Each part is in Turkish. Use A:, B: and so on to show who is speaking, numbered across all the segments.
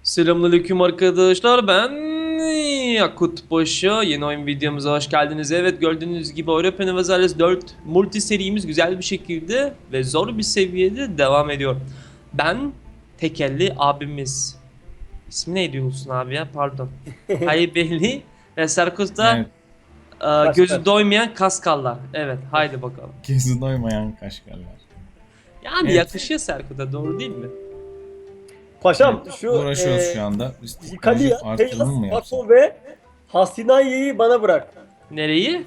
A: Selamünaleyküm arkadaşlar, ben Yakut Paşa. Yeni oyun videomuza hoş geldiniz. Evet, gördüğünüz gibi Europa Universalis 4 multi serimiz güzel bir şekilde ve zor bir seviyede devam ediyor. Ben tekelli abimiz. İsmi neydi Yolsun abi ya, pardon. Haybeli ve Serkut'ta
B: Evet.
A: gözü
B: Kaşkar.
A: doymayan kaskallar. Evet, haydi bakalım.
B: Gözü doymayan kaşgarlar.
A: Yani
B: Evet.
A: yakışıyor Serkut'a, doğru değil mi?
B: Evet.
C: Paşam şu
B: Uğraşıyoruz şu anda. Biz teknoloji
C: Yıkalia,
B: artırımı
C: Tejas,
B: mı yapsak?
C: Bako ve Hasinayye'yi bana bırak.
A: Nereyi?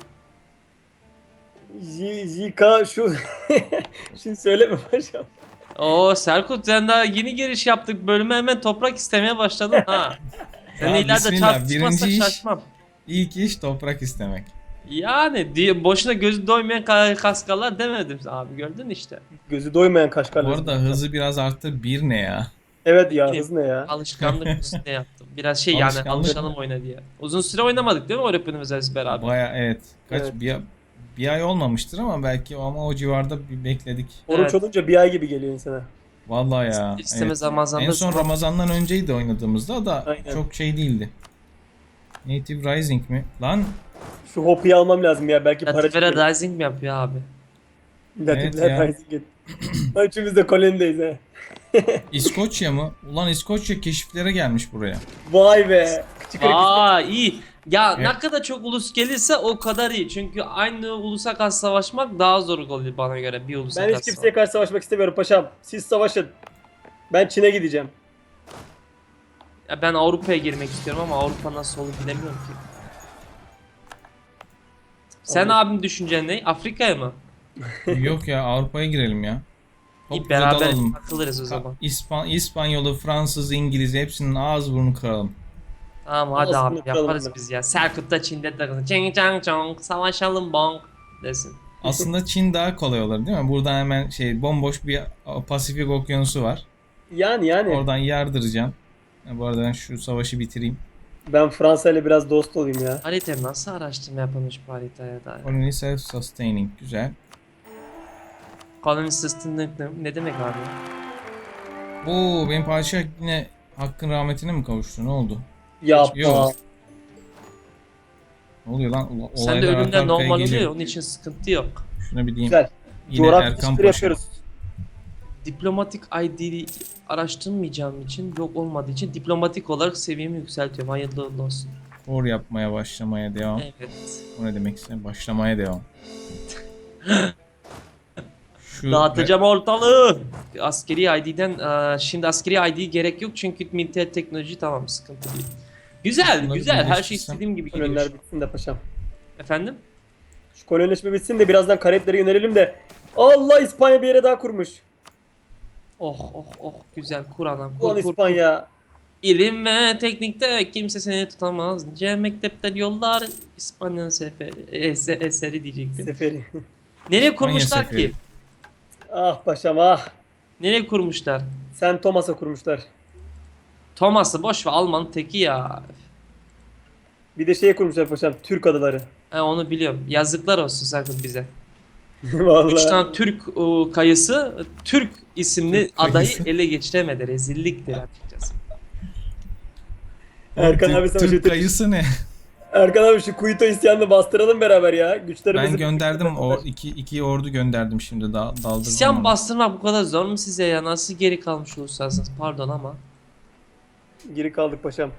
C: Zika şu şimdi söyleme paşam.
A: Oo Serkut, sen daha yeni giriş yaptık bölüme, hemen toprak istemeye başladın ha. Sen
B: Ya
A: ileride
B: bismillah,
A: çarpışmazsak
B: birinci iş,
A: şaşmam.
B: ilk iş toprak istemek.
A: Yani diye boşuna gözü doymayan kaskallar demedim abi, gördün işte.
C: Gözü doymayan
B: Bu
C: kaşkarlar.
B: arada hızı biraz arttı. Bir ne ya?
C: Evet ya,
A: Yine
C: hız ne ya?
A: alışkanlık üstüne yaptım. Biraz şey yani,
B: Alışkanlık
A: alışalım
B: mı?
A: oyuna diye. Uzun süre oynamadık değil mi Orapın Özelsi beraber?
B: Baya evet. Kaç
C: Evet.
B: bir ay olmamıştır ama belki ama o civarda bir bekledik.
C: Oruç
A: Evet.
C: olunca bir ay gibi geliyor insana.
B: Vallahi ya.
A: İstemez
B: Evet.
A: Ramazan'da
B: En son
A: sonra-
B: Ramazan'dan önceydi oynadığımızda da
C: Aynen.
B: çok şey değildi. Native Rising mi? Lan
C: Şu Hopi'yi almam lazım ya, belki para çıkıyor.
A: Latifere Rising mi yapıyor abi?
C: Latifler
B: Evet ya.
C: Rising. Üçümüz de kolonideyiz ha.
B: İskoçya mı? Ulan İskoçya keşiflere gelmiş buraya.
C: Vay be. Küçük ırk.
A: Aa, iyi. Ya
B: Evet.
A: ne kadar çok ulus gelirse o kadar iyi. Çünkü aynı ulusa karşı savaşmak daha zor oluyor bana göre, bir ulusa
C: Ben
A: karşı
C: hiç kimseye karşı savaşmak istemiyorum paşam. Siz savaşın. Ben Çin'e gideceğim.
A: Ya ben Avrupa'ya girmek istiyorum ama Avrupa nasıl olur bilemiyorum ki. Sen
C: Avrupa.
A: abim düşüncen ne? Afrika'ya mı?
B: Yok ya, Avrupa'ya girelim ya.
A: İyi,
B: Topluca
A: beraber
B: dalalım.
A: takılırız o zaman.
B: İspanyolu, Fransız, İngiliz hepsinin ağız burnu kıralım.
A: Tamam hadi
C: Olsun,
A: abi,
C: bakalım
A: yaparız
C: bunları.
A: biz ya. Serkut da Çin'de takılsın. Çing çang çong, savaşalım bonk desin.
B: Aslında Çin daha kolay olur değil mi? Buradan hemen şey bomboş bir Pasifik okyanusu var.
C: Yani.
B: Oradan yardıracağım. Bu arada ben şu savaşı bitireyim.
C: Ben Fransa ile biraz dost olayım ya.
A: Harita nasıl araştırma yapılmış bu haritaya dair?
B: Colony self-sustaining. Güzel.
A: Colony System ne demek abi?
B: Oo, benim padişah yine hakkın rahmetine mi kavuştu? Ne oldu?
C: Yapma.
B: Yok. Ne oluyor lan?
A: Sen de
B: Olaylar arka
A: ölümler
B: arkaya
A: normal oluyor
B: geliyor.
A: ya, onun için sıkıntı yok.
B: Şuna bir diyeyim.
C: Güzel.
B: Yine
C: Coğrafya
B: Erkan
C: keşifleri
B: Paşa.
C: yapıyoruz.
A: Diplomatik ID araştırmayacağım için, yok olmadığı için diplomatik olarak seviyemi yükseltiyorum. Hayırlı uğurlu olsun.
B: Spor yapmaya başlamaya devam.
A: Evet.
B: O ne demekse başlamaya devam. Şu
A: Dağıtacağım ortalığı. Askeri ID'den şimdi askeri ID gerek yok çünkü militer teknoloji, tamam, sıkıntı değil. Güzel,
B: Bunları
A: güzel. Her şey
B: birleştirsem-
A: istediğim gibi gidiyor.
C: Koloniler bitsin de paşam.
A: Efendim?
C: Şu kolonileşme bitsin de birazdan Karayiplere yönelelim de. Allah, İspanya bir yere daha kurmuş.
A: Oh oh oh, güzel. Kur anam.
C: Ulan
A: Kur kur.
C: İspanya.
A: İlim ve teknikte kimse seni tutamaz. C mektepten yollar İspanya'nın seferi, eseri diyecektim.
C: Seferi.
A: Nereye kurmuşlar
B: seferi.
A: ki?
C: Ah paşam ah.
A: Nereye kurmuşlar?
C: Sen Thomas'a kurmuşlar.
A: Thomas'ı boş ver, Alman teki ya.
C: Bir de şeye kurmuşlar paşam. Türk adaları.
A: He, onu biliyorum. Yazıklar olsun sakın bize. 3
C: Vallahi.
A: tane Türk kayısı Türk isimli
B: Türk kayısı.
A: adayı ele geçiremedi. Rezilliktir açıkçası.
C: Erkan abi sana
B: Türk
C: şey
B: kayısı ne?
C: Erkan abi şu Kuito isyanını bastıralım beraber ya. Güçlerimizi
B: Ben gönderdim iki ordu gönderdim şimdi daldırdım.
A: İsyan
B: onu.
A: bastırmak bu kadar zor mu size ya? Nasıl geri kalmış olursanız, pardon ama.
C: Geri kaldık paşam.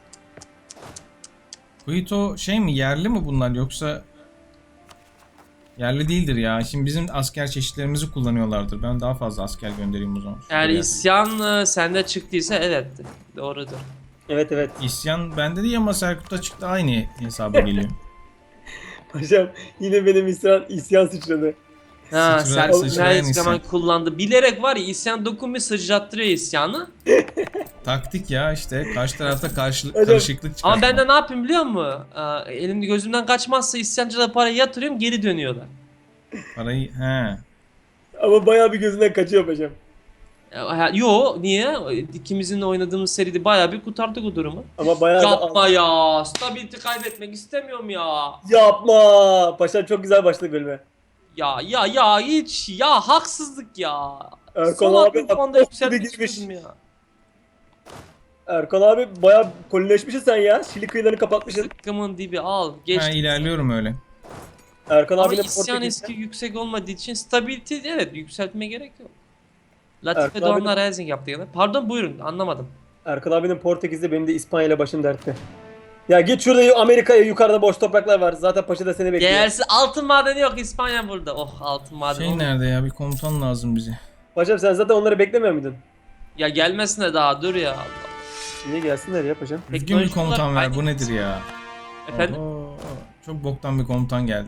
B: Kuito şey mi, yerli mi bunlar yoksa yerli değildir ya. Şimdi bizim asker çeşitlerimizi kullanıyorlardır. Ben daha fazla asker göndereyim o zaman.
A: Eğer
B: Şuraya.
A: isyan sende çıktıysa evet, doğrudur.
C: Evet.
B: İsyan bende değil ama Serkut'ta çıktı, aynı hesaba geliyor.
C: Paşam yine benim isyan sıçradı.
A: Ha,
B: Sıçrayan
A: Serkut
B: isyan.
A: zaman kullandı. Bilerek var ya, isyan dokunmuyor, sıçrattırıyor isyanı.
B: Taktik ya işte, karşı tarafta
C: Hocam,
B: karışıklık çıkartma.
A: Ama ben de ne yapayım biliyor musun? Elimde gözümden kaçmazsa isyancılara parayı yatırıyorum, geri dönüyorlar.
B: Parayı he.
C: Ama bayağı bir gözünden kaçıyor paşam.
A: Yo, niye? İkimizin de oynadığımız seride bayağı bir kurtardık o durumu.
C: Ama bayağı da
A: Yapma ya. Stability kaybetmek istemiyorum ya.
C: Yapma. Paşam çok güzel başladı bölüme.
A: Ya hiç ya, haksızlık ya.
C: Erkan
A: Son
C: abi
A: hakkın fonda
C: bak, gibi
A: yükseltmek
C: girmiş.
A: istiyordum ya.
C: Erkan abi bayağı kolileşmişsin sen ya. Şili kıyılarını kapatmışsın.
A: Sıkkımın dibi al.
B: Ha,
A: Geçti.
B: ilerliyorum öyle.
C: Erkan
A: Ama
C: abinin
A: isyan
C: Portekiz'de.
A: eski yüksek olmadığı için stability evet yükseltme gerek yok. Latife
C: Erkan
A: Doğan'la
C: abi-
A: Rising yaptı gene. Pardon buyurun anlamadım.
C: Erkan abinin Portekiz'de, benim de İspanya ile başım dertte. Ya git şurada Amerika'ya, yukarıda boş topraklar var. Zaten paşa da seni bekliyor.
A: Değersiz altın madeni yok İspanya burada. Oh altın madeni.
B: Şey nerede ya? Bir komutan lazım bize.
C: Paşam sen zaten onları beklemiyor muydun?
A: Ya gelmesine daha dur ya Allah.
C: Niye gelsinler ya paşam?
B: Düzgün bir
A: Teknolojik
B: komutan
A: olarak
B: ver. Bu
A: aynı.
B: nedir ya?
A: Efendim?
B: Oho, çok boktan bir komutan geldi.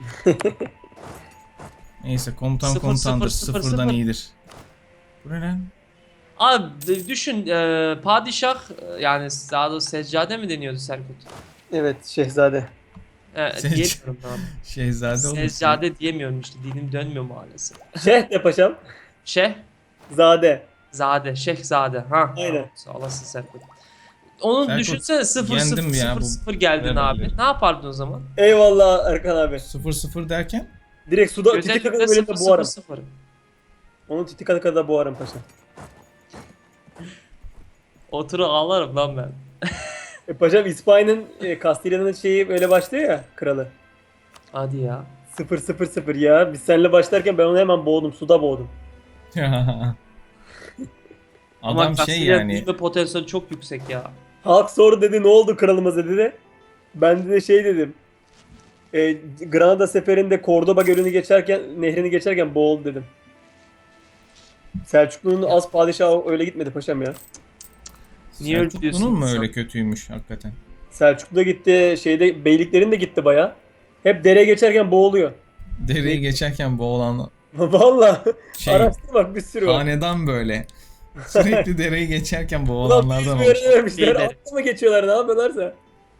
B: Neyse komutan
A: Sıfır,
B: komutandır.
A: sıfır, sıfır,
B: Sıfırdan
A: sıfır.
B: iyidir. Bu ne lan?
A: Abi düşün padişah yani daha doğrusu seccade mi deniyordu Serkut?
C: Evet şehzade.
A: Diyemiyorum abi.
B: Şehzade olmasın.
A: Seccade diyemiyorum işte dilim dönmüyor maalesef.
C: Şeh de paşam.
A: Zade,
C: Zade.
A: şehzade. Ha.
C: Aynen.
A: Sağ olasın Serkut. Onu
B: Serkut,
A: düşünsene 0
B: yendim
A: 0
B: ya
A: 0
B: bu
A: 0 geldin
B: levelleri.
A: abi. Ne yapardın o zaman?
C: Eyvallah Erkan abi.
B: 0-0 derken?
C: Direkt suda
A: Özellikle
C: Titikaka'da bölümde
A: 0
C: boğarım.
A: 0 0.
C: Onun Titikaka'da boğarım paşam.
A: Oturup ağlarım lan ben.
C: Paşam İspanya'nın Kastilya'nın şeyi böyle başlıyor ya, kralı.
A: Hadi ya.
C: 0-0-0 ya. Biz seninle başlarken ben onu hemen boğdum. Suda boğdum.
A: Ama
B: Adam şey
A: Kastilya
B: yani.
A: büyüme potansiyeli çok yüksek ya.
C: Halk sordu dedi, ne oldu kralımıza dedi. Ben de şey dedim. Granada seferinde Cordoba gölünü geçerken, nehrini geçerken boğuldu dedim. Selçuklu'nun az padişahı öyle gitmedi paşam ya.
A: Niye öyle diyorsun
B: Selçuklu'nun mu
A: insan?
B: öyle kötüymüş hakikaten?
C: Selçuklu da gitti, şeyde beyliklerin de gitti baya. Hep dere geçerken boğuluyor.
B: Dereyi geçerken boğulan
C: Vallahi
B: şey,
C: araştır bak, bir sürü var.
B: hanedan böyle. Sürekli dereyi geçerken
C: Ulan
B: boğulanlardan
C: bir
B: olmuş.
C: öğrenememişler.
A: Beyleri.
C: Atla mı geçiyorlar, ne yapıyorlarsa.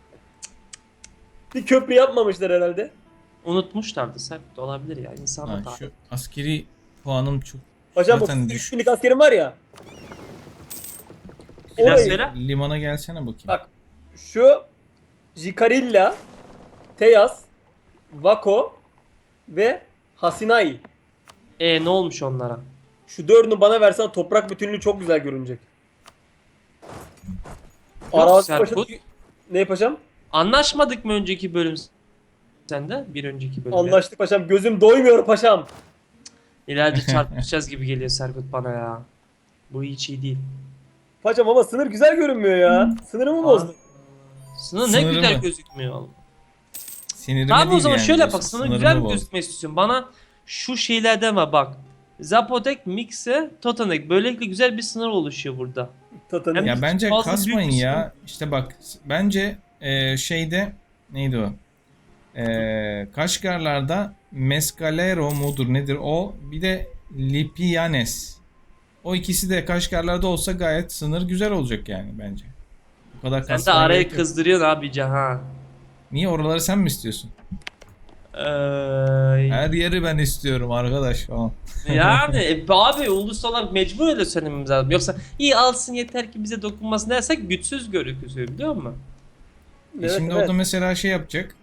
C: Bir köprü yapmamışlar herhalde.
A: Unutmuşlardı Serkut olabilir ya. İnsan
B: Ha,
A: hata.
B: şu askeri puanım çok
C: Paşam
B: zaten
C: 33
B: düşük.
C: binlik askerim var ya.
A: Biraz
C: Orayı,
A: söyle.
B: Limana gelsene bakayım.
C: bak şu Jicarilla, Teyas, Vako ve Hasinai.
A: Ne olmuş onlara?
C: Şu dördünü bana versen toprak bütünlüğü çok güzel görünecek.
A: Yok
C: Arazi
A: Serkut.
C: paşa... Ne paşam?
A: Anlaşmadık mı önceki bölüm sende? Bir önceki bölümde.
C: Anlaştık paşam. Gözüm doymuyor paşam.
A: İleride çarpışacağız gibi geliyor Serkut bana ya. Bu hiç iyi değil.
C: Paşam ama sınır güzel görünmüyor ya. Sınırımı bozdun.
A: Sınır ne
B: Sınırı
A: güzel
B: mı?
A: gözükmüyor oğlum.
B: Sinirime
A: Tamam o
B: değil
A: zaman
B: yani
A: şöyle
B: diyorsun,
A: bak sana
B: sınırımı
A: güzel bir
B: boz.
A: gözükmek istiyorsun. Bana şu şeyler deme bak. Zapotek, Mixe, Totanek. Böylelikle güzel bir sınır oluşuyor burada.
C: Tatanın.
A: Hem-
B: Ya bence
A: Fazla
B: kasmayın
A: büyük bir
B: ya. İşte bak bence şeyde neydi o? Kaşgarlarda Mescalero mudur nedir o? Bir de Lipianes. O ikisi de Kaşgarlarda olsa gayet sınır güzel olacak yani bence. Bu kadar
A: Sen de
B: kasmaya
A: araya
B: gerek yok.
A: kızdırıyorsun abi ha.
B: Niye oraları sen mi istiyorsun?
A: Ee,
B: Her yeri ben istiyorum arkadaş falan.
A: yani abi ulusal olarak mecbur öyle söylememiz lazım. Yoksa iyi alsın yeter ki bize dokunmasın dersek güçsüz görüküyor biliyor musun?
C: Evet,
B: Şimdi
C: evet.
B: o da mesela şey yapacak.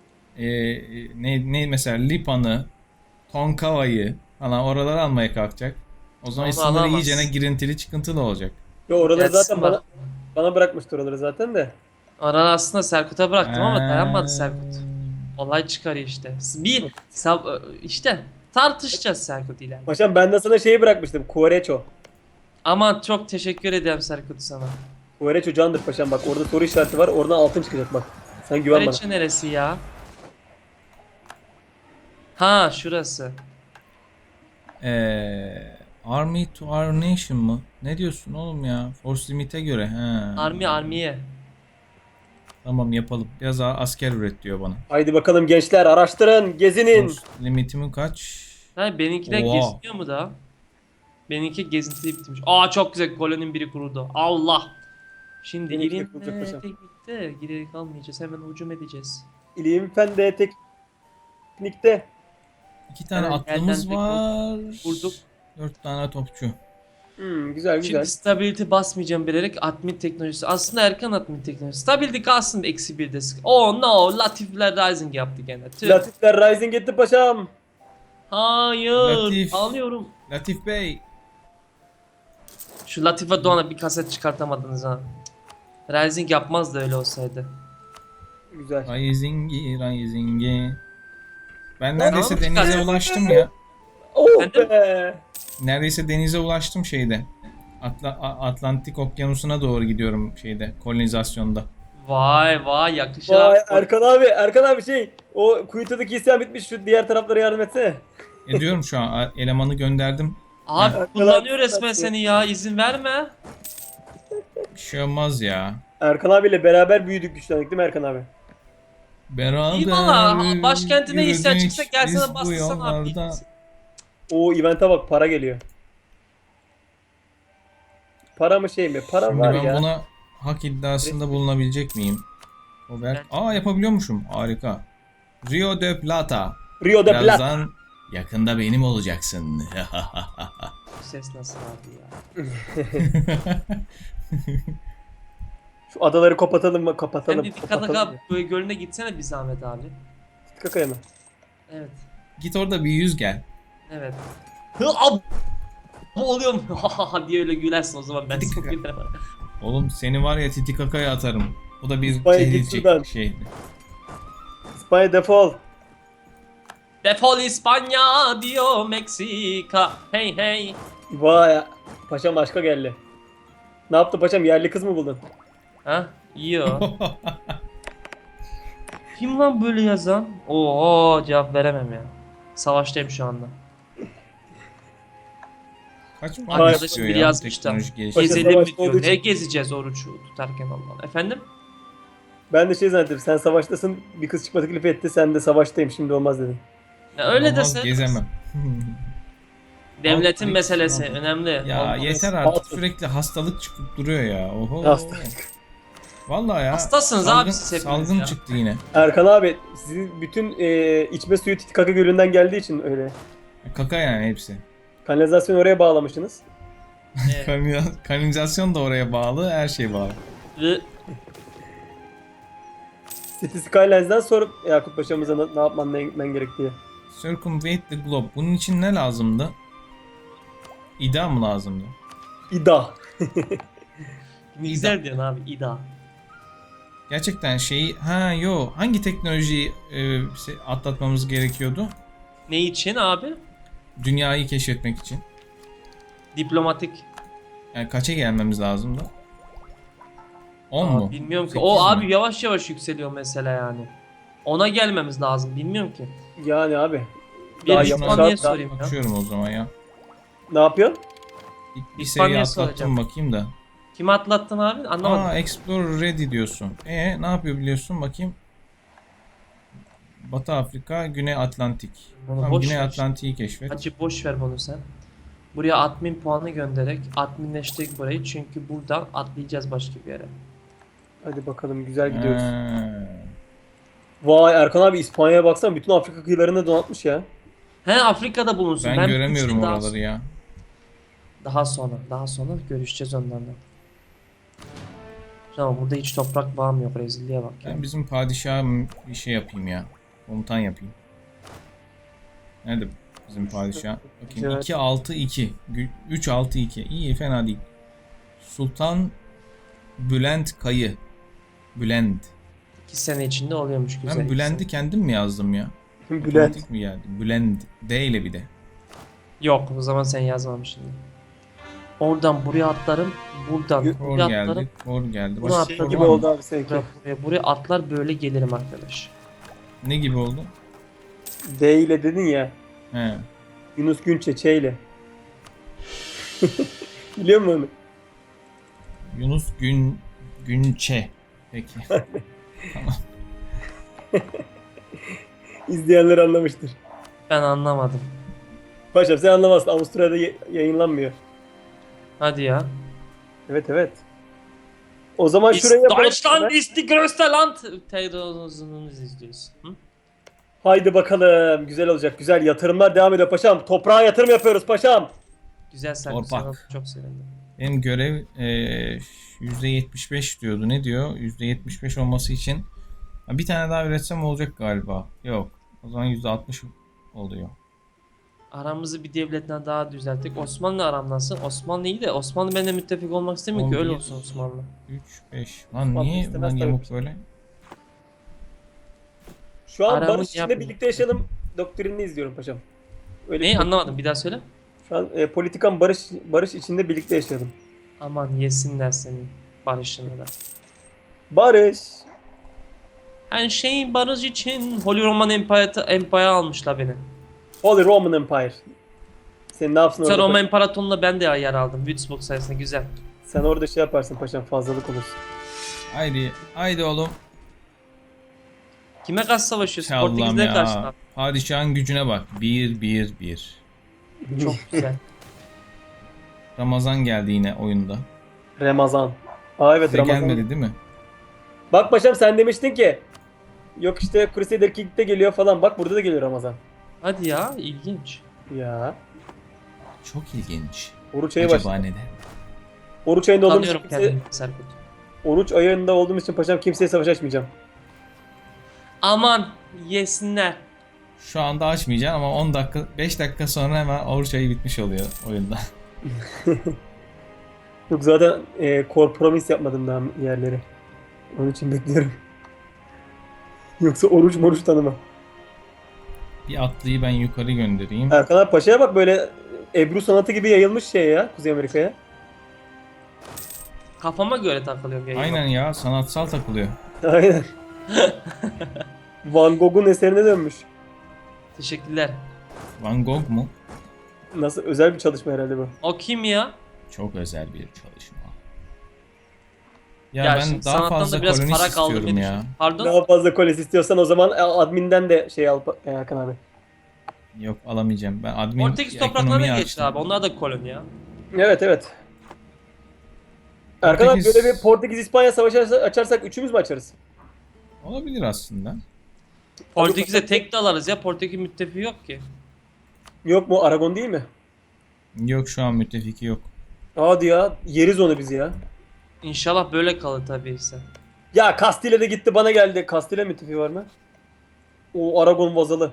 B: Ne mesela Lipan'ı, Tonkava'yı falan oraları almaya kalkacak. O zaman
A: Onu
B: sınırı
A: alamaz.
B: iyicene girintili çıkıntılı olacak.
C: Yo, oraları
A: Gelsin
C: zaten
A: bak.
C: bana bırakmıştır oraları zaten de.
A: Aran aslında Serkut'a bıraktım ama dayanmadı
B: Ee,
A: Serkut. Olay çıkarıyor işte. İşte tartışacağız Serkut ile.
C: Paşam ben de sana şeyi bırakmıştım. Kuvareço.
A: Aman çok teşekkür ederim Serkut sana.
C: Kuvareço candır paşam, bak orada soru işareti var. Oradan altın çıkacak bak. Sen güven bana.
A: Reçe neresi ya? Ha şurası.
B: Army to our nation mı? Ne diyorsun oğlum ya? Force limit'e göre. He.
A: Armiye.
B: Tamam yapalım. Biraz daha asker üret diyor bana.
C: Haydi bakalım gençler, araştırın, gezinin.
B: Force limitimin kaç?
A: Ha benimkiler
B: Oha.
A: geziniyor mu da? Benimki gezinti bitmiş. Aa çok güzel koloninin biri kuruldu. Allah. Şimdi
C: Benimki de
A: ilim
C: kurulacak paşam.
A: teknikte giderek almayacağız. Hemen hücum edeceğiz.
C: İlim fende teknikte.
B: 2 tane
A: Evet,
B: atlımız
A: elden
B: var.
A: Vurduk.
B: 4 tane topçu.
C: Güzel güzel.
A: Şimdi stability basmayacağım bilerek admin teknolojisi. Aslında erken admin teknolojisi. Stability kalsın eksi 1'de. Oh no. Latifler Rising yaptı gene. Tüh.
C: Latifler Rising etti paşam.
A: Hayır.
B: Latif.
A: Ağlıyorum.
B: Latif Bey.
A: Şu Latife Doğan'a bir kaset çıkartamadınız ha. Rising yapmaz da öyle olsaydı.
C: Güzel.
B: Rising'i, Rising'i. Ben
C: Lan
B: neredeyse
A: oğlum,
B: denize
A: çıkar.
B: ulaştım ya.
C: Oh
A: Efendim?
C: be.
B: Neredeyse denize ulaştım şeyde. Atlantik Okyanusu'na doğru gidiyorum şeyde, kolonizasyonda.
A: Vay vay yakışır
C: Vay
A: abi.
C: Erkan abi şey. O kuyutudaki isyan bitmiş, şu diğer taraflara yardım etsene.
B: Ediyorum şu an, elemanı gönderdim.
A: Abi
C: Heh.
A: kullanıyor resmen
C: Arkadaş-
A: seni ya, izin verme.
B: Bir şey olmaz ya.
C: Erkan abiyle beraber büyüdük, güçlendik değil mi Erkan abi?
B: Beraber
A: İyi valla, başkentine isyan
B: yürüdük
A: çıksa
B: biz
A: gelsene
B: bu
A: bastırsana abi.
B: yollarda.
C: O event'e bak, para geliyor. Para mı şey mi? Para
B: Şimdi
C: var
B: ben
C: ya.
B: buna hak iddiasında bulunabilecek miyim? Robert.
A: Ben-
B: Aa, yapabiliyormuşum. Harika. Rio de Plata.
C: Rio de Plata.
B: Birazdan yakında benim olacaksın.
A: Bu ses nasıl abi ya?
C: Şu adaları kapatalım mı?
A: Sen
C: Kapatalım.
A: bir dikkat
C: Kapatalım.
A: ak böyle gölüne gitsene bir zahmet abi.
C: Kakaya mı?
A: Evet.
B: Git orada bir yüz gel.
A: Evet. Hı, ab bu oluyor mu? diye öyle gülersin o zaman ben
B: Dik-
A: sana gülerim.
B: Oğlum seni var ya Titikaka'ya atarım. O da bir
C: İspanya git
B: tehlikeli
C: şuradan.
B: şey.
C: İspanya defol.
A: Defol İspanya diyor Meksika. Hey hey.
C: Vay. Paşam başka geldi. Ne yaptı paşam? Yerli kız mı buldun?
A: Ha? İyi o. Kim lan böyle yazan? Oo cevap veremem ya. Savaştayım şu anda.
B: Kaç puan
A: Arkadaşım
B: istiyor
A: biri
B: ya
A: yazmış da.
B: teknolojik gelişim?
C: Paşa
A: Gezelim mi
C: savaşta
A: diyor.
C: olduğu için-
A: Ne gezeceğiz oruç tutarken Allah. Efendim?
C: Ben de şey zannettim. Sen savaştasın. Bir kız çıkma teklif etti. Sen de savaştayım. Şimdi olmaz dedin.
A: Ya öyle
B: Olmaz,
A: dese.
B: gezemem.
A: Devletin
B: Al,
A: meselesi
B: al.
A: önemli.
B: Ya
A: Olmaz.
B: yeter artık,
C: Altın.
B: sürekli hastalık çıkıp duruyor ya. Oho.
C: Hastalık.
B: Vallahi ya.
A: Hastasınız
B: salgın,
A: abi siz hepiniz
B: salgın
A: ya.
B: çıktı yine.
C: Erkan abi sizin bütün içme suyu Titikaka Gölü'nden geldiği için öyle.
B: Kaka yani hepsi.
C: Kanalizasyonu oraya bağlamışsınız.
A: Evet.
B: Kanalizasyon da oraya bağlı, her şey bağlı.
A: Ve
C: City Skylines'dan sorup Yakup Paşa'mıza ne yapman ne gerektiği.
B: Circumvent the globe. Bunun için ne lazımdı? İda mı lazımdı?
C: İda.
A: ne güzel diyorsun abi İda.
B: Gerçekten şeyi... Ha yo. Hangi teknolojiyi atlatmamız gerekiyordu?
A: Ne için abi?
B: Dünyayı keşfetmek için.
A: Diplomatik.
B: Yani kaça gelmemiz lazımdı? 10
A: Aa,
B: mu?
A: bilmiyorum ki.
B: 8
A: O
B: mi?
A: abi yavaş yavaş yükseliyor mesela yani. Ona gelmemiz lazım. Bilmiyorum ki.
C: Yani abi.
A: Bir
C: Daha
A: İspanya'ya
C: yapacak-
A: sorayım ya.
B: Bakıyorum o zaman ya.
C: Ne yapıyorsun?
B: Bir
A: İspanya'ya
B: seviye atlattım
A: soracağım.
B: bakayım da.
A: Kimi atlattın abi? Anlamadım.
B: Aa, Explore Ready diyorsun. Ne yapıyor biliyorsun bakayım. Batı Afrika, Güney Atlantik.
A: Bunu
B: Tamam,
A: boş
B: Güney
A: ver.
B: Atlantik'i keşfet.
A: Hacı boş ver bunu sen. Buraya admin puanı göndererek adminleştirdik burayı çünkü buradan atlayacağız başka bir yere.
C: Hadi bakalım, güzel gidiyoruz.
B: Ha.
C: Vay Erkan abi, İspanya'ya baksana, bütün Afrika kıyılarını donatmış ya.
A: He Afrika'da bulunsun.
B: Ben
A: bir
B: göremiyorum
A: şey daha-
B: oraları ya.
A: Daha sonra görüşeceğiz onlarla. Ama burada hiç toprak bağım yok, rezilliğe bak ya.
B: Ben bizim padişaha bir şey yapayım ya. Komutan yapayım. Nerede bizim padişah? Bakayım.
C: Evet.
B: 2-6-2. 3-6-2. İyi, fena değil. Sultan Bülent Kayı. Bülent.
A: 2 sene içinde oluyormuş güzel.
B: Ben Bülent'i kendim mi yazdım ya?
C: Bülent.
B: Otomatik mi geldi? Bülent. D ile bir de.
A: Yok, o zaman sen yazmamışsın. Oradan buraya atlarım, buradan
B: Kor
A: buraya
B: geldi.
A: atlarım.
B: Kor geldi.
A: Bunu
B: Başka
A: atladım.
B: kor
C: Gibi
B: var mı?
C: oldu abi seninki.
A: Buraya atlar böyle gelirim arkadaş.
B: Ne gibi oldu?
C: D ile dedin ya.
B: He.
C: Yunus Günçe Ç ile. Biliyor musun onu?
B: Yunus Günçe. Peki. Tamam.
C: İzleyenler anlamıştır.
A: Ben anlamadım.
C: Paşam sen anlamazsın. Avusturya'da yayınlanmıyor.
A: Hadi ya.
C: Evet evet. O zaman şuraya yapalım.
A: Deutschland ist die größte Land. Televizyonunu izliyoruz. Hı?
C: Haydi bakalım. Güzel olacak. Güzel yatırımlar devam ediyor paşam. Toprağa yatırım yapıyoruz paşam.
A: Güzel sen
B: Torpak.
A: güzel oldu, çok sevindim.
B: Benim görev %75 diyordu. Ne diyor? %75 olması için bir tane daha üretsem olacak galiba. Yok. O zaman %60 oluyor.
A: Aramızı bir devletten daha düzelttik. Osmanlı aram nasıl? Osmanlı iyi de Osmanlı benimle müttefik olmak istemiyor ki, öyle
B: 11,
A: olsun Osmanlı.
B: 3, 5. Lan
C: Vallahi
B: niye
C: istemez
B: bunlar
C: tabii.
B: yamuk böyle?
C: Şu an
A: Aramın
C: barış içinde
A: yapma.
C: birlikte yaşayalım doktrinini izliyorum paşam. Öyle
A: Neyi
C: bir-
A: anlamadım, bir daha söyle.
C: Şu an politikan barış içinde birlikte yaşayalım.
A: Aman yesinler senin barışını da.
C: Barış.
A: Her şeyin barış için Holy Roman Empire almışlar beni.
C: Holy Roman Empire. Sen ne yapsın
A: Sen
C: orada?
A: Roma İmparatorluğu'nda ben de yer aldım. Würzburg sayesinde, güzel.
C: Sen orada şey yaparsın paşam, fazlalık olursun.
B: Haydi. Haydi oğlum.
A: Kime karşı savaşıyorsun?
B: Allah'ım
A: Portekiz'e karşı.
B: ya. Padişahın gücüne bak. 1, 1, 1.
A: Çok güzel.
B: Ramazan geldi yine oyunda.
C: Ramazan. Aa evet
B: Size
C: Ramazan.
B: gelmedi değil mi?
C: Bak paşam sen demiştin ki yok işte Crusader King'de geliyor falan. Bak burada da geliyor Ramazan.
A: Hadi ya, ilginç.
C: Ya.
B: Çok ilginç.
C: Oruç ayı
B: Acaba
C: başladı.
B: neden?
C: Oruç ayında olduğumuz için
A: Tanıyorum
C: kimse,
A: kendimi Serkut.
C: oruç ayında olduğumuz için paşam kimseye savaş açmayacağım.
A: Aman yesinler.
B: Şu anda açmayacağım ama 10 dakika, 5 dakika sonra hemen oruç ayı bitmiş oluyor oyunda.
C: Yok zaten kompromis yapmadım daha yerleri. Onun için bekliyorum. Yoksa oruç tanımam.
B: Bir atlıyı ben yukarı göndereyim.
C: Erkan abi Paşa'ya bak, böyle Ebru sanatı gibi yayılmış şey ya Kuzey Amerika'ya.
A: Kafama göre takılıyorum yayına.
B: Aynen ya, sanatsal takılıyor.
C: Aynen. Van Gogh'un eserine dönmüş.
A: Teşekkürler.
B: Van Gogh mu?
C: Nasıl, özel bir çalışma herhalde bu.
A: O kim ya?
B: Çok özel bir çalışma. Ya,
A: Ya
B: ben
A: şimdi
B: daha
A: sanattan
B: fazla
A: da biraz
B: kolonist
A: para kaldı
B: istiyorum
A: diye
B: ya.
A: düşünüyorum. Pardon?
C: Daha fazla koles istiyorsan o zaman adminden de şey al Erkan abi.
B: Yok, alamayacağım. Ben admin
A: Portekiz topraklarına
B: ekonomiyi
A: geçti
B: açtım.
A: abi. Onlar da koloni ya.
C: Evet evet. Erkan abi
B: Portekiz-
C: böyle bir Portekiz-İspanya savaşı açarsak üçümüz mü açarız?
B: Olabilir aslında.
A: Portekiz'e tek de alırız ya. Portekiz müttefiği yok ki.
C: Yok mu, Aragon değil mi?
B: Yok, şu an müttefiki yok.
C: Hadi ya, yeriz onu biz ya.
A: İnşallah böyle kalır tabii ise.
C: Ya Castile de gitti bana geldi. Castile müttefiği var mı? O Aragon vazalı.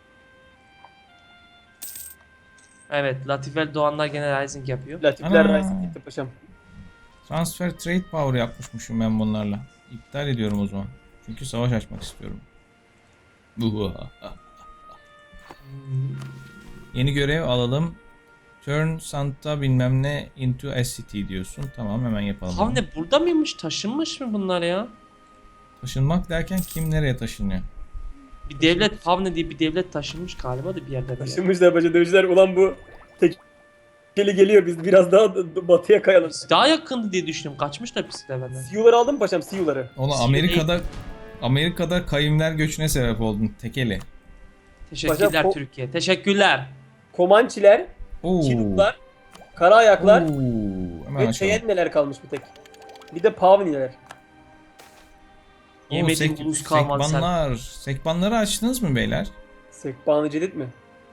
A: Evet, Latifel Doğanlar gene Rising yapıyor.
C: Latifler
B: Ana.
C: Rice gitti paşam.
B: Transfer trade power yapmışmışım ben bunlarla. İptal ediyorum o zaman. Çünkü savaş açmak istiyorum. Yeni görev alalım. Turn Santa bilmem ne into a city diyorsun. Tamam, hemen yapalım. bunu.
A: Havne burada mıymış? Taşınmış mı bunlar ya?
B: Taşınmak derken kim nereye taşınıyor?
A: Bir devlet, Favne diye bir devlet taşınmış galiba da bir yerde. böyle.
C: Taşınmışlar paşa, demişler ulan bu tekeli geliyor, biz biraz daha batıya kayalım.
A: Daha yakındı diye düşündüm. Kaçmışlar pisiler benden.
C: Siyuları aldın mı paşam, Siyuları?
B: Oğlum
A: Siyah
B: Amerika'da kayımlar göçüne sebep oldun tekeli.
A: Teşekkürler
C: Paşam,
A: Türkiye. Teşekkürler.
C: Komançiler,
B: Oo.
C: Çinuklar, Kara Ayaklar
B: Oo. Hemen
C: ve
B: açalım.
C: Cheyenne'ler kalmış bir tek. Bir de Pavniler.
B: Oo,
A: Yemediğim ulus kalmadı sen.
B: Sekbanlar. Sekbanları açtınız mı beyler?
C: Sekbanı Cedid mi?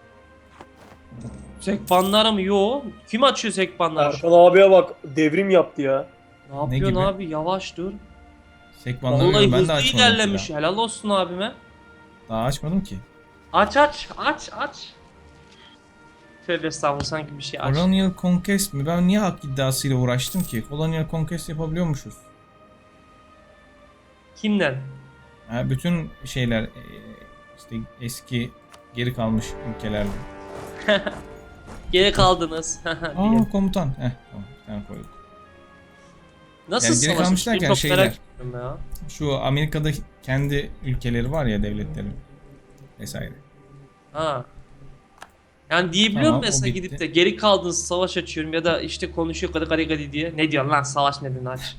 A: Sekbanlar mı? Yo. Kim açıyor sekbanları?
C: Erkan abiye bak, devrim yaptı ya.
A: Ne yapıyorsun
B: gibi?
A: abi? Yavaş dur.
B: Sekbanları
A: Vallahi
B: ben de
A: hızlı
B: açmadım.
A: ilerlemiş.
B: Daha.
A: Helal olsun abime.
B: Daha açmadım ki.
A: Aç aç aç aç. Tövbe estağfurullah, sanki bir şey aç.
B: Colonial Conquest mi? Ben niye hak iddiasıyla uğraştım ki? Colonial Conquest yapabiliyormuşuz.
A: Kimden?
B: Ha, bütün şeyler işte eski geri kalmış ülkelerle.
A: Geri kaldınız. diye.
B: Aa, komutan. Tamam, bir tane koyduk.
A: Nasıl
B: yani geri
A: savaşın?
B: kalmış derken
A: Çok
B: şeyler.
A: merak ettim ya.
B: Şu Amerika'da kendi ülkeleri var ya, devletleri vesaire.
A: Ha. Yani diyebiliyor
B: Tamam,
A: musun
B: o
A: mesela,
B: bitti.
A: gidip de geri kaldınız savaş açıyorum ya da işte konuşuyor gadi gadi gadi diye. Ne diyorsun lan, savaş nedeni aç.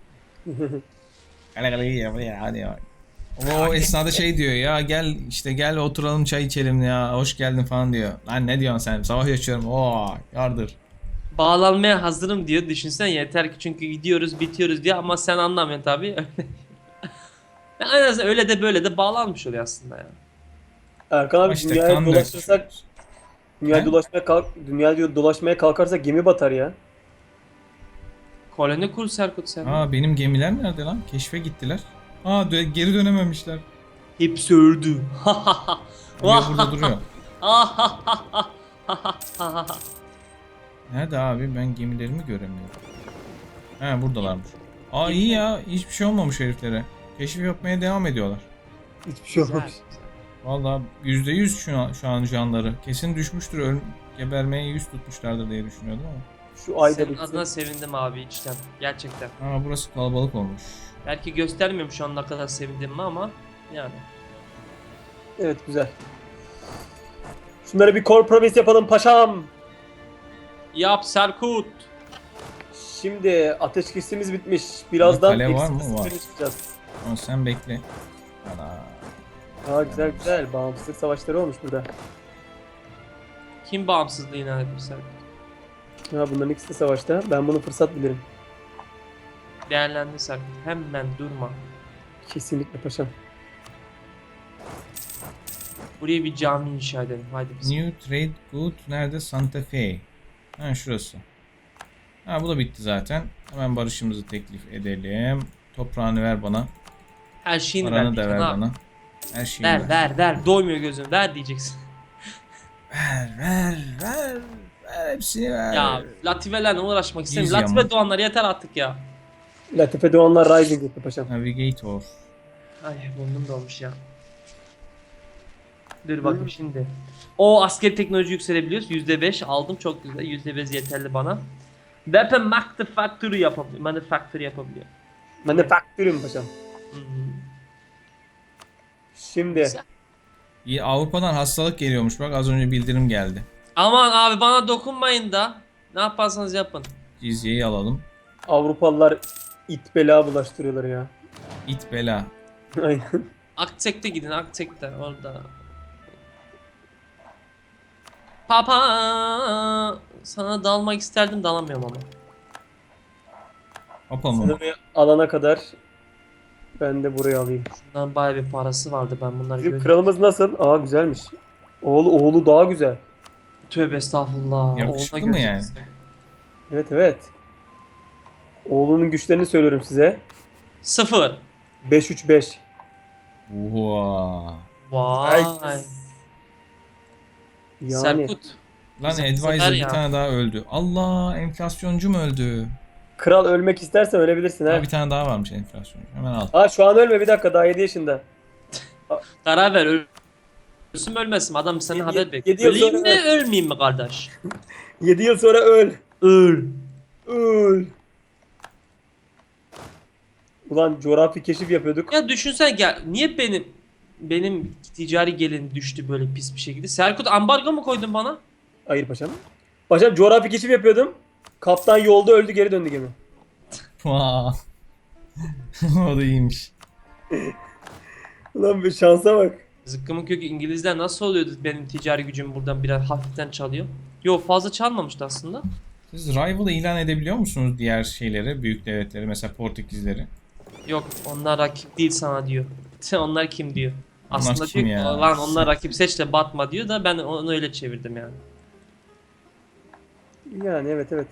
B: Hadi ya. O esnada şey diyor ya, gel oturalım çay içelim ya, hoş geldin falan diyor. Lan ne diyorsun sen, savaş açıyorum, oo yardır.
A: Bağlanmaya hazırım diyor. Düşünsen yeter ki, çünkü gidiyoruz bitiyoruz diye, ama sen anlamıyorsun tabii. En azından öyle de böyle de bağlanmış oluyor aslında ya.
C: Erkan abi
B: İşte
C: dünyaya
B: kan
C: dolaşırsak,
B: döküyoruz.
C: dünyaya dolaşmaya kalkarsak gemi batar ya.
A: Koloni kur Serkut sen.
B: Aa, benim gemiler nerede lan? Keşfe gittiler. Aa, geri dönememişler.
A: Hepsi öldü.
B: Duruyor, burada duruyor. Nerede abi? Ben gemilerimi göremiyorum. He buradalarmış. Aa iyi ya. Hiçbir şey olmamış heriflere. Keşif yapmaya devam ediyorlar.
C: Hiçbir şey
A: Güzel,
C: olmamış.
A: güzel.
B: Vallahi %100 şu an canları. Kesin düşmüştür. Gebermeye yüz tutmuşlardır diye düşünüyordum ama.
C: Şu ayda
A: Senin
C: bitsin.
A: adına sevindim abi içten. Gerçekten.
B: Ama burası kalabalık olmuş.
A: Belki göstermiyorum şu an ne kadar sevindiğimi ama yani.
C: Evet güzel. Şunları bir kompromis yapalım paşam.
A: Yap Serkut.
C: Şimdi ateşkesimiz bitmiş. Birazdan
B: Kale var mı?
C: eksik
B: Var.
C: sefere çıkacağız.
B: Ama sen bekle. Ana.
C: Güzel güzel. Bağımsızlık savaşları olmuş burada.
A: Kim bağımsızlığı ilan etmiş Serkut?
C: Ya bunların ikisi de savaşta. Ben bunu fırsat bilirim.
A: Değerlendi Serkut. Hemen durma.
C: Kesinlikle paşam.
A: Buraya bir cami inşa edelim. Haydi biz.
B: New Trade Good nerede? Santa Fe. Ha şurası. Ha bu da bitti zaten. Hemen barışımızı teklif edelim. Toprağını ver bana.
A: Her şeyini
B: Paranı
A: ver.
B: da ver
A: Abi.
B: bana. Her şeyi
A: Ver. Doymuyor gözün. Ver diyeceksin.
B: Ver. Hepsini ver.
A: Ya Latifelerle uğraşmak istemiyorum.
B: Yüz
A: Latife
B: yama.
A: Doğanlar yeter artık ya.
C: Latife Doğanlar Rising etti paşam.
B: Navigator.
A: Ay burnum dolmuş ya. Dur bakayım şimdi. O askeri teknoloji yükselebiliyoruz. %5 aldım çok güzel. %5 yeterli bana. Weapon Manufacturing yapabiliyor.
C: Manufacturing paşam.
A: Hı hı.
C: Şimdi
A: Güzel.
B: İyi, Avrupa'dan hastalık geliyormuş bak az önce bildirim geldi.
A: Aman abi bana dokunmayın da. Ne yaparsanız yapın.
B: Cizyeyi alalım.
C: Avrupalılar it bela bulaştırıyorlar ya.
B: İt bela.
C: Aynen.
A: Aktek'te gidin Aktek'te orada. Papa sana dalmak isterdim dalamıyorum ama.
B: Hoppa mı?
C: Sınırı alana kadar ben de burayı alayım.
A: Bundan bayağı bir parası vardı ben bunları
C: Bizim
A: gördüm.
C: kralımız nasıl? Aa güzelmiş. Oğlu daha güzel.
A: Tövbe estağfurullah.
B: Yakışıklı
A: Oğluna
B: mı yani?
A: göreceksin.
C: Evet. Oğlunun güçlerini söylüyorum size.
A: 0.
C: 5-3-5.
B: Oha.
A: Vay.
C: Yani
A: Serkut.
B: Lan
A: Bizim
B: Advisor
A: sefer
B: bir
A: ya.
B: tane daha öldü. Allah enflasyoncu mu öldü?
C: kral ölmek istersen ölebilirsin ha.
B: Ha, bir tane daha varmış enflasyoncu. Hemen al.
C: Aa şu an ölme bir dakika daha 7 yaşında.
A: Karar ver. Ölsün mü ölmesin mi? Adam senin haber bekliyor.
C: 7 yıl
A: Öleyim
C: sonra
A: mi ölmeyeyim mi kardeş?
C: 7 yıl sonra öl.
A: Öl.
C: Öl. Ulan coğrafi keşif yapıyorduk.
A: Ya düşünsen gel. Niye benim ticari gelin düştü böyle pis bir şekilde? Serkut ambargo mu koydun bana?
C: Hayır paşam. Paşam coğrafi keşif yapıyordum. Kaptan yolda öldü geri döndü gemi.
B: Vaa. O da iyiymiş.
C: Ulan bir şansa bak.
A: Zıkkımın kökü İngilizler nasıl oluyordu benim ticari gücümü buradan biraz hafiften çalıyor? Yok fazla çalmamıştı aslında.
B: Siz Rival'ı ilan edebiliyor musunuz diğer şeyleri, büyük devletleri, mesela Portekizleri?
A: Yok onlar rakip değil sana diyor. Onlar kim diyor.
B: Onlar
A: Aslında
B: kim
A: diyor ki
B: ya?
A: lan onlar rakip seç de batma diyor da ben onu öyle çevirdim yani.
C: Yani evet.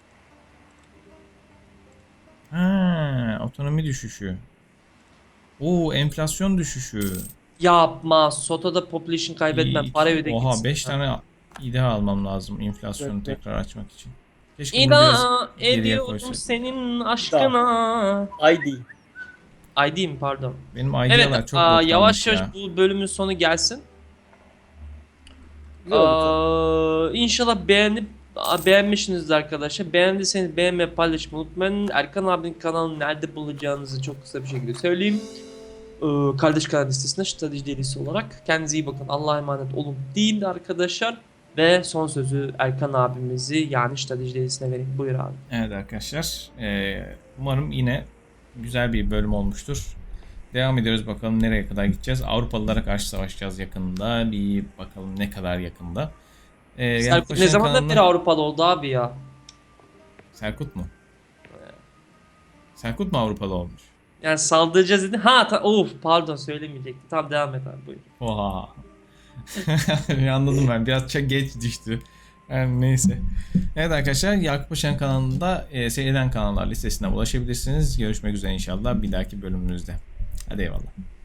B: Ha, otonomi düşüşü. Oo, enflasyon düşüşü.
A: Yapma. Soto'da population kaybetmem.
B: İyi,
A: Para öde
B: Oha
A: gitsin.
B: 5 tane İDA almam lazım enflasyonu
C: Evet.
B: tekrar açmak için. Keşke bunu biraz
A: İda
B: geriye
A: ediyorum
B: koysak.
A: senin aşkına.
C: ID.
A: ID mi pardon.
B: Benim
A: Evet
B: ID'ler çok boktanmış
A: yavaş
B: ya.
A: yavaş bu bölümün sonu gelsin.
C: Güzel oldu.
A: İnşallah beğenmişsinizdir arkadaşlar. Beğendiyseniz beğenmeyi paylaşmayı unutmayın. Erkan abinin kanalını nerede bulacağınızı çok kısa bir şekilde söyleyeyim. Kardeş kanal listesinde strateji delisi olarak. Kendinize iyi bakın. Allah'a emanet olun deyin de arkadaşlar. Ve son sözü Erkan abimizi yani strateji delisine vereyim. Buyur abi.
B: Evet arkadaşlar. Umarım yine güzel bir bölüm olmuştur. Devam ediyoruz bakalım nereye kadar gideceğiz. Avrupalılara karşı savaşacağız yakında. Bir bakalım ne kadar yakında.
A: Serkut
B: Yaklaşan
A: ne zamandan
B: kanalına-
A: beri Avrupalı oldu abi ya?
B: Serkut mu? Serkut mu Avrupalı olmuş?
A: Yani saldıracağız dedi. Of pardon söylemeyecektim. Tamam devam et abi buyur.
B: Oha. Anladım ben. Biraz çok geç düştü. Yani neyse. Evet arkadaşlar Yakup Paşa'nın kanalında seyreden kanallar listesine ulaşabilirsiniz. Görüşmek üzere inşallah bir dahaki bölümümüzde. Hadi eyvallah.